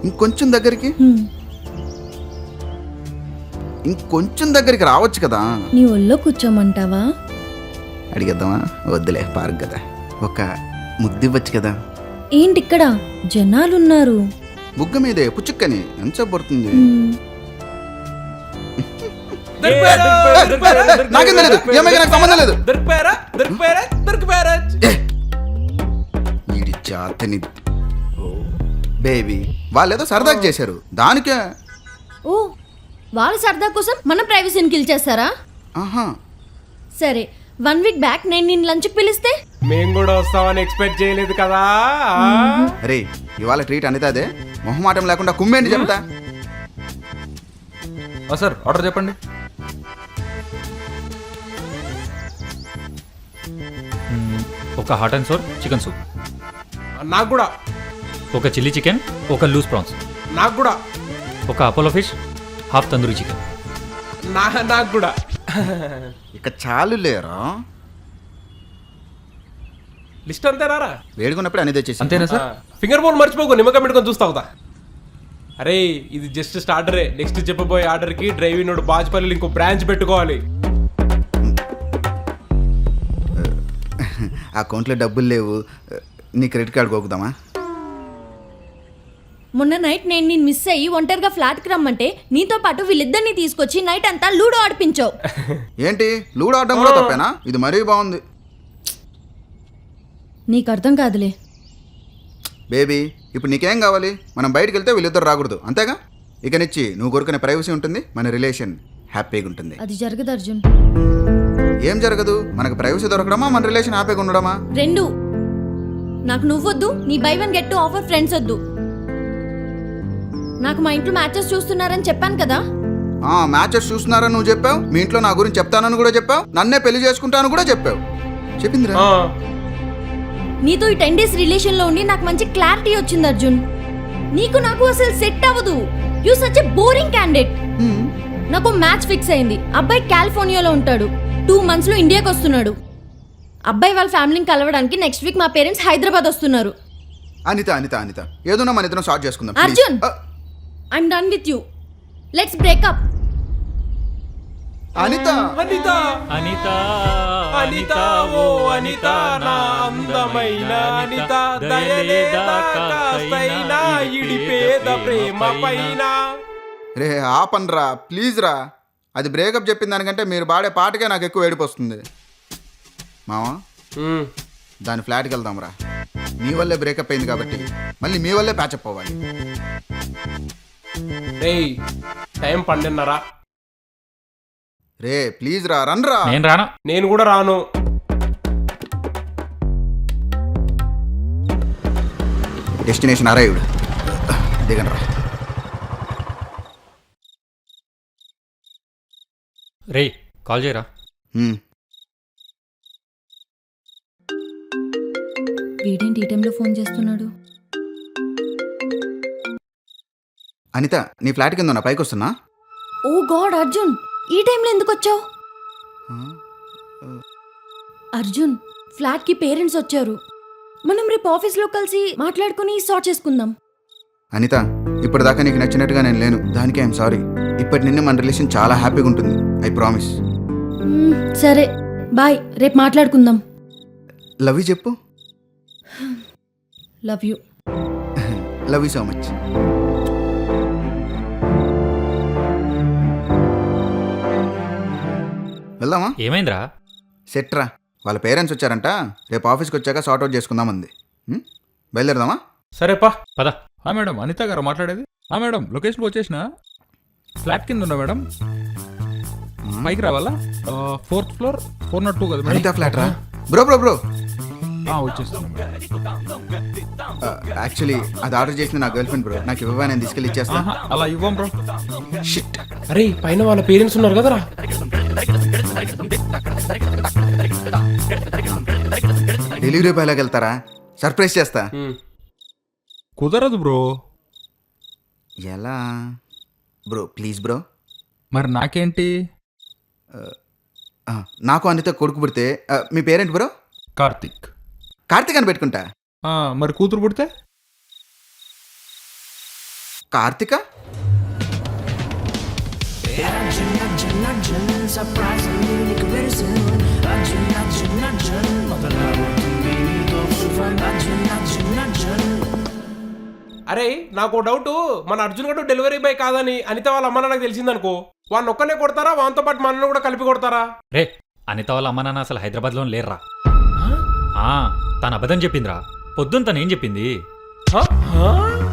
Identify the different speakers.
Speaker 1: ఇంకొంచెం దగ్గరికి ఇంకొంచెం దగ్గరికి రావచ్చు కదా.
Speaker 2: నీ ఒళ్ళో కూర్చోమంటావా?
Speaker 1: అడిగేద్దామా? వద్దులే, పార్క్ కదా. ఒక ముద్దివ్వచ్చు కదా.
Speaker 2: ఏంటి ఇక్కడ జనాలున్నారు?
Speaker 1: బుగ్గ మీదే పుచ్చుక్కని ఎంత పడుతుంది. నాకేం తెలియదు, ఏమైనా నాకు సంబంధం లేదు. వీడి జాతని బేబీ వాళ్ళేదో సరదాగా చేశారు, దానికే.
Speaker 2: ఓ, వాళ్ళ సరదా కోసం మన ప్రైవసీని కిల్ చేస్తారా?
Speaker 1: ఆహా,
Speaker 2: సరే, 1 వీక్ బ్యాక్ నేను నిన్ను లంచ్కి పిలిస్తే
Speaker 3: మేము కూడా వస్తామని ఎక్స్పెక్ట్ చేయలేదు కదా.
Speaker 1: అరే ఇవాళ ట్రీట్ అనితాదే, మొహమాటం లేకుండా కుమ్మేంటి చెప్తా.
Speaker 4: సార్ ఆర్డర్ చెప్పండి. ఒక hot and sour chicken soup,
Speaker 3: నాకు కూడా.
Speaker 4: ఒక చిల్లీ చికెన్, ఒక లూజ్ ప్రాన్స్,
Speaker 3: నాకు కూడా.
Speaker 4: ఒక Apollo fish, half tandoori chicken.
Speaker 3: నాకు కూడా.
Speaker 1: ఇక చాలు లేరా,
Speaker 3: లిస్ట్ అంతేనారా?
Speaker 1: వేడుకున్నప్పుడు అని తెచ్చేసి.
Speaker 4: అంతేనా సార్?
Speaker 3: ఫింగర్ బోన్ మర్చిపోకు, నిమ్మకాయ పెట్టుకొని చూస్తావుతా. అరే ఇది జస్ట్ స్టార్టరే. నెక్స్ట్ చెప్పబోయే ఆర్డర్ కి డ్రైవింగ్ నోడు బాజ్పల్లి ఇంకో బ్రాంచ్ పెట్టుకోవాలి.
Speaker 1: అకౌంట్లో డబ్బులు లేవు, నీ క్రెడిట్ కార్డు కోకుదామా?
Speaker 2: మొన్న నైట్ నేను నిన్ను మిస్ అయ్యి ఒంటరిగా ఫ్లాట్కి రమ్మంటే నీతో పాటు వీళ్ళిద్దరిని తీసుకొచ్చి నైట్ అంతా లూడో ఆడిపించావు.
Speaker 1: ఏంటి లూడో ఆడడం కూడా తప్పేనా? ఇది మరీ బాగుంది.
Speaker 2: నీకు అర్థం కాదులే.
Speaker 1: బేబీ ఇప్పుడు నీకేం కావాలి? మనం బయటకు వెళ్తే వీళ్ళిద్దరు రాకూడదు, అంతేగా? ఇక నుంచి నువ్వు కోరుకునే ప్రైవసీ ఉంటుంది, మన రిలేషన్ హ్యాపీగా ఉంటుంది.
Speaker 2: అది జరగదు అర్జున్.
Speaker 1: ఏం జరగదు? మనకు ప్రైవసీ దొరకడమా, మన రిలేషన్ హ్యాపీగా ఉండడమా?
Speaker 2: రెండు. నాకు నువ్వొద్దు, నీ బై 1 గెట్ 2 ఆఫర్ ఫ్రెండ్స్ వద్దు. నాకు మా ఇంట్లో మ్యాచెస్ చూస్తున్నారని చెప్పాను కదా.
Speaker 1: మ్యాచెస్ చూస్తున్నారని నువ్వు చెప్పావు, మీ ఇంట్లో నా గురించి చెప్తానని కూడా చెప్పావు, నన్నే పెళ్లి చేసుకుంటాను కూడా చెప్పావు. చెప్పిందిరా.
Speaker 2: నీతో ఈ 10 డేస్ రిలేషన్ లో ఉండి నాకు మంచి క్లారిటీ వచ్చింది అర్జున్. నీకు నాకు అసలు సెట్ అవ్వదు. You such a boring candidate. నాకు మ్యాచ్ ఫిక్స్ అయింది. అబ్బాయి కాలిఫోర్నియాలో ఉంటాడు, 2 months లో ఇండియాకి వస్తున్నాడు. అబ్బాయి వాళ్ళ ఫ్యామిలీని కలవడానికి నెక్స్ట్ వీక్ మా పేరెంట్స్ హైదరాబాద్ వస్తున్నారు.
Speaker 1: అనిత అనిత అనిత ఏదోనా మన ఇద్దరం స్టార్ట్ చేసుకుందాం.
Speaker 2: Arjun, I'm done with you. Let's breakup.
Speaker 1: Anitha
Speaker 3: Anitha
Speaker 4: Anitha
Speaker 3: Anitha ఓ అనిత నా అందమైన అనిత, దయలేదా కాస్తైనా ఇడిపేద ప్రేమ పైన.
Speaker 1: రే ఆపన్రా ప్లీజ్ రా. అది బ్రేకప్ చెప్పిన దానికంటే మీరు పాడే పాటకే నాకు ఎక్కువ ఏడుపు వస్తుంది. మావా దాని ఫ్లాట్కి వెళ్దాం రా. మీ వల్లే బ్రేకప్ అయింది కాబట్టి మళ్ళీ మీ వల్లే ప్యాచప్ అవ్వాలి.
Speaker 3: రేయ్ టైం 12:30.
Speaker 1: రే ప్లీజ్ రా, రన్రా.
Speaker 4: నేను రాను.
Speaker 3: నేను కూడా రాను.
Speaker 1: Destination arrived. దిగండి రా.
Speaker 4: రే కాల్ చేయరా.
Speaker 2: వీడేంటి ఈ టైంలో ఫోన్ చేస్తున్నాడు?
Speaker 1: అనిత నీ ఫ్లాట్ కింద ఉన్నా, పైకి వస్తున్నా.
Speaker 2: ఓ గాడ్ అర్జున్, ఈ టైంలో ఎందుకు వచ్చావు? అర్జున్, ఫ్లాట్ కి పేరెంట్స్ వచ్చారు. మనం రేపు ఆఫీస్లో కలిసి మాట్లాడుకుని సార్ట్ చేసుకుందాం.
Speaker 1: అనిత ఇప్పటిదాకా నీకు నచ్చినట్టుగా నేను లేను, దానికి ఐఎమ్ సారీ. ఇప్పటి నిన్ను మన రిలేషన్ చాలా హ్యాపీగా ఉంటుంది, ఐ ప్రామిస్.
Speaker 2: సరే బాయ్, రేపు మాట్లాడుకుందాం.
Speaker 1: లవ్ యూ చెప్పు.
Speaker 2: Love you.
Speaker 1: Love you so much. వెళ్దామా?
Speaker 4: ఏమైందిరా?
Speaker 1: సెట్రా, వాళ్ళ పేరెంట్స్ వచ్చారంట, రేపు ఆఫీస్కి వచ్చాక సార్ట్ అవుట్ చేసుకుందామంది. బయలుదేరదామా?
Speaker 3: సరేపా
Speaker 4: పద.
Speaker 5: మేడం అనిత గారు మాట్లాడేది. మేడం లొకేషన్కి వచ్చేసిన, ఫ్లాట్ కింద ఉన్నా మేడం, పైకి రావాలా? 4th floor 402 కదా మేడం.
Speaker 1: అనిత ఫ్లాట్ రా. బ్రో బ్రో బ్రో
Speaker 5: వచ్చేస్తున్నాం.
Speaker 1: యాక్చువల్లీ అది ఆర్డర్ చేసిన నా గర్ల్ ఫ్రెండ్ బ్రో, నాకు ఇవ్వవా, నేను తీసుకెళ్ళి ఇచ్చేస్తా.
Speaker 5: అలా ఇవ్వం బ్రో.
Speaker 1: షిట్.
Speaker 3: అరే పైన వాళ్ళ పేరెంట్స్ ఉన్నారు కదరా.
Speaker 1: డెలివరీ బాయ్ లాగా వెళ్తారా? సర్ప్రైజ్ చేస్తా.
Speaker 5: కుదరదు బ్రో.
Speaker 1: ఎలా బ్రో? Please bro.
Speaker 5: మరి నాకేంటి?
Speaker 1: నాకు అనిత కొడుకు పుడితే మీ పేరెంట్ బ్రో?
Speaker 5: కార్తిక్.
Speaker 1: కార్తిక్ అని పెట్టుకుంటా.
Speaker 5: మరి కూతురు పుడితే?
Speaker 1: కార్తిక?
Speaker 3: అరే నాకు డౌట్, మన అర్జున్ గడు డెలివరీ బాయ్ కాదని అనిత వాళ్ళ అమ్మ నాకు తెలిసిందనుకో, వాడిని ఒక్కనే కొడతారా, వానితో పాటు మనల్ని కూడా కలిపి కొడతారా?
Speaker 4: రే అనిత వాళ్ళ అమ్మ నాన్న అసలు హైదరాబాద్లో లేర్రా. తను అబద్ధం చెప్పిందిరా. పొద్దున్న తను ఏం చెప్పింది?
Speaker 3: హ? హ?